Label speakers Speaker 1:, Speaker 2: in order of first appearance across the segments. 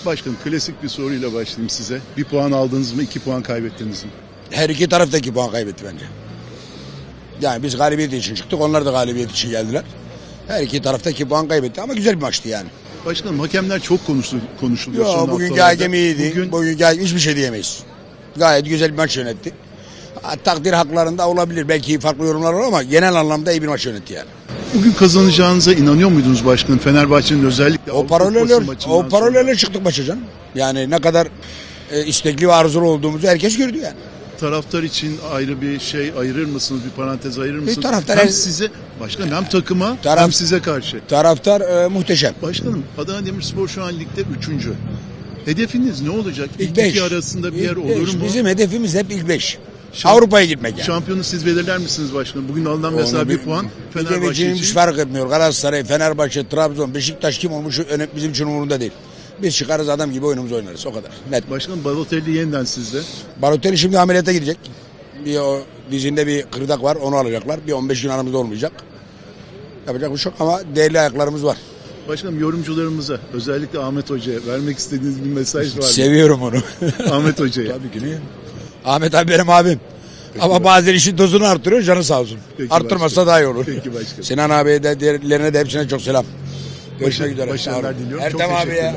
Speaker 1: Başkanım klasik bir soruyla başlayayım size. Bir puan aldınız mı, 2 puan kaybettiniz mi?
Speaker 2: Her iki taraf da 2 puan kaybetti bence. Yani biz galibiyet için çıktık. Onlar da galibiyet için geldiler. Her iki tarafta 2 puan kaybetti ama güzel bir maçtı yani.
Speaker 1: Başkanım hakemler çok konuşuluyor son
Speaker 2: Yo, bugünkü
Speaker 1: haftalarda.
Speaker 2: hakem iyiydi. Bugünkü hakem hiçbir şey diyemeyiz. Gayet güzel bir maç yönetti. Takdir haklarında olabilir. Belki farklı yorumlar var ama genel anlamda iyi bir maç yönetti yani.
Speaker 1: Bugün kazanacağınıza inanıyor muydunuz başkanım? Fenerbahçe'nin özellikle
Speaker 2: O paralellerle çıktık maça canım. Yani ne kadar istekli ve arzulu olduğumuzu herkes gördü yani.
Speaker 1: Taraftar için ayrı bir şey ayırır mısınız? Bir parantez ayırır mısınız?
Speaker 2: taraftar
Speaker 1: hem size, başkanım hem takıma hem size karşı.
Speaker 2: Taraftar muhteşem.
Speaker 1: Başkanım Adana Demirspor şu an ligde 3. Hedefiniz ne olacak? İlk iki arasında bir yer olur mu?
Speaker 2: Bizim hedefimiz hep ilk 5. Avrupa'ya gitmek yani.
Speaker 1: Şampiyonu siz belirler misiniz başkanım? Bugün alınan mesela bir puan Fenerbahçe için.
Speaker 2: Hiç fark etmiyor. Galatasaray, Fenerbahçe, Trabzon, Beşiktaş kim olmuş bizim için umurunda değil. Biz çıkarız adam gibi oyunumuzu oynarız. O kadar. Net.
Speaker 1: Başkanım Balotelli yeniden sizde.
Speaker 2: Balotelli şimdi ameliyata girecek. Bir o dizinde bir kırdak var. Onu alacaklar. Bir 15 gün aramızda olmayacak. Yapacak bir şey yok ama değerli ayaklarımız var.
Speaker 1: Başkanım yorumcularımıza özellikle Ahmet Hoca'ya vermek istediğiniz bir mesaj var mı?
Speaker 2: Seviyorum onu.
Speaker 1: Ahmet Hoca'ya.
Speaker 2: Tabii ki niye? Ahmet abi benim abim. Peki ama bazen işin dozunu artırıyor, canı sağ olsun. Peki arttırmazsa daha iyi olur.
Speaker 1: Peki başkanım.
Speaker 2: Sinan abiye de diğerlerine de hepsine çok selam. Görüşmek üzere.
Speaker 1: Başarılar diliyorum.
Speaker 2: Ertem abiye,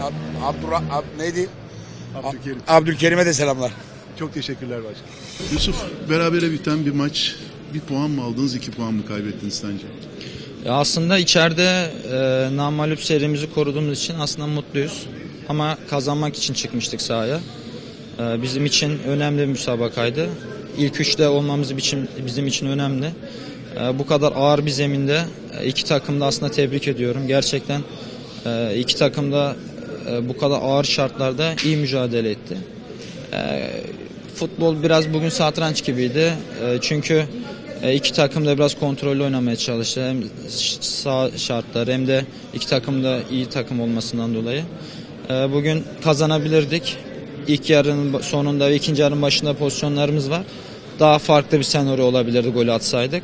Speaker 2: neydi? Abdülkerim'e de selamlar.
Speaker 1: Çok teşekkürler başkanım. Yusuf, berabere biten bir maç. Bir puan mı aldınız, 2 puan mı kaybettiniz sence?
Speaker 3: Ya aslında içeride namağlup serimizi koruduğumuz için aslında mutluyuz. Ama kazanmak için çıkmıştık sahaya. Bizim için önemli bir müsabakaydı. İlk üçte olmamız bizim için önemli. Bu kadar ağır bir zeminde iki takımda aslında tebrik ediyorum. Gerçekten iki takım da bu kadar ağır şartlarda iyi mücadele etti. Futbol biraz bugün satranç gibiydi. Çünkü iki takım da biraz kontrollü oynamaya çalıştı. Hem sağ şartlar hem de iki takım da iyi takım olmasından dolayı. Bugün kazanabilirdik. İlk yarının sonunda ve ikinci yarının başında pozisyonlarımız var. Daha farklı bir senaryo olabilirdi golü atsaydık.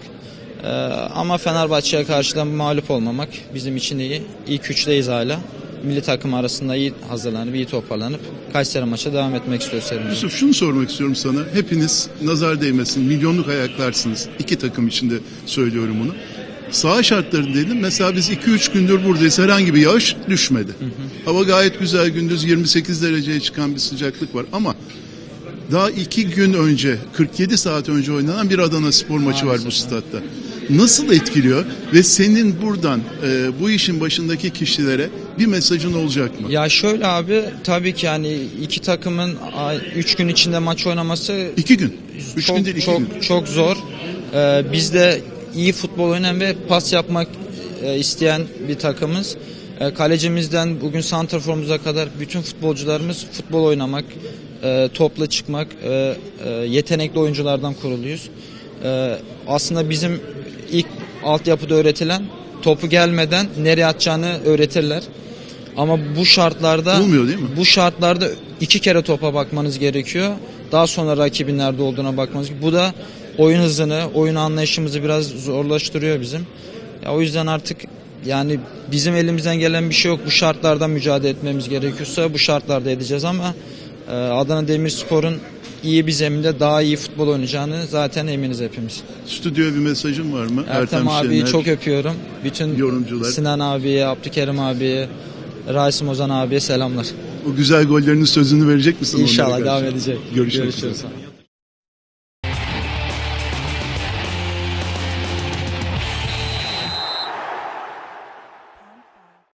Speaker 3: Ama Fenerbahçe'ye karşı da mağlup olmamak bizim için iyi. İlk üçteyiz hala. Milli takım arasında iyi hazırlanıp, iyi toparlanıp Kayseri maça devam etmek istiyoruz serimize.
Speaker 1: Yusuf şunu sormak istiyorum sana. Hepiniz nazar değmesin, milyonluk ayaklarsınız. İki takım içinde söylüyorum bunu. Saha şartları dedim. Mesela biz 2-3 gündür buradayız. Herhangi bir yağış düşmedi. Hava gayet güzel. Gündüz 28 dereceye çıkan bir sıcaklık var. Ama daha 2 gün önce, 47 saat önce oynanan bir Adana Spor maçı var bu statta. Nasıl etkiliyor ve senin buradan bu işin başındaki kişilere bir mesajın olacak mı?
Speaker 3: Ya şöyle abi, tabii ki yani iki takımın 3 gün içinde maç oynaması
Speaker 1: 2 gün. 3 gün değil 2 gün.
Speaker 3: Çok zor. Biz de iyi futbol oynayan ve pas yapmak isteyen bir takımız. Kalecimizden bugün santraforumuza kadar bütün futbolcularımız futbol oynamak, topla çıkmak, yetenekli oyunculardan kuruluyuz. Aslında bizim ilk altyapıda öğretilen topu gelmeden nereye atacağını öğretirler. Ama bu şartlarda
Speaker 1: olmuyor değil mi?
Speaker 3: Bu şartlarda 2 kere topa bakmanız gerekiyor. Daha sonra rakibin nerede olduğuna bakmanız gerekiyor. Bu da oyun hızını, oyun anlayışımızı biraz zorlaştırıyor bizim. Ya o yüzden artık yani bizim elimizden gelen bir şey yok. Bu şartlarda mücadele etmemiz gerekiyorsa bu şartlarda edeceğiz ama Adana Demirspor'un iyi bir zeminde daha iyi futbol oynayacağını zaten eminiz hepimiz.
Speaker 1: Stüdyoya bir mesajın var mı?
Speaker 3: Ertem abiyi
Speaker 1: Şener,
Speaker 3: çok öpüyorum. Bütün
Speaker 1: yorumcular.
Speaker 3: Sinan abiye, Abdülkerim abiye, Rasim Ozan abiye selamlar.
Speaker 1: O güzel gollerinin sözünü verecek misin?
Speaker 3: İnşallah devam edecek.
Speaker 1: Görüşürüz.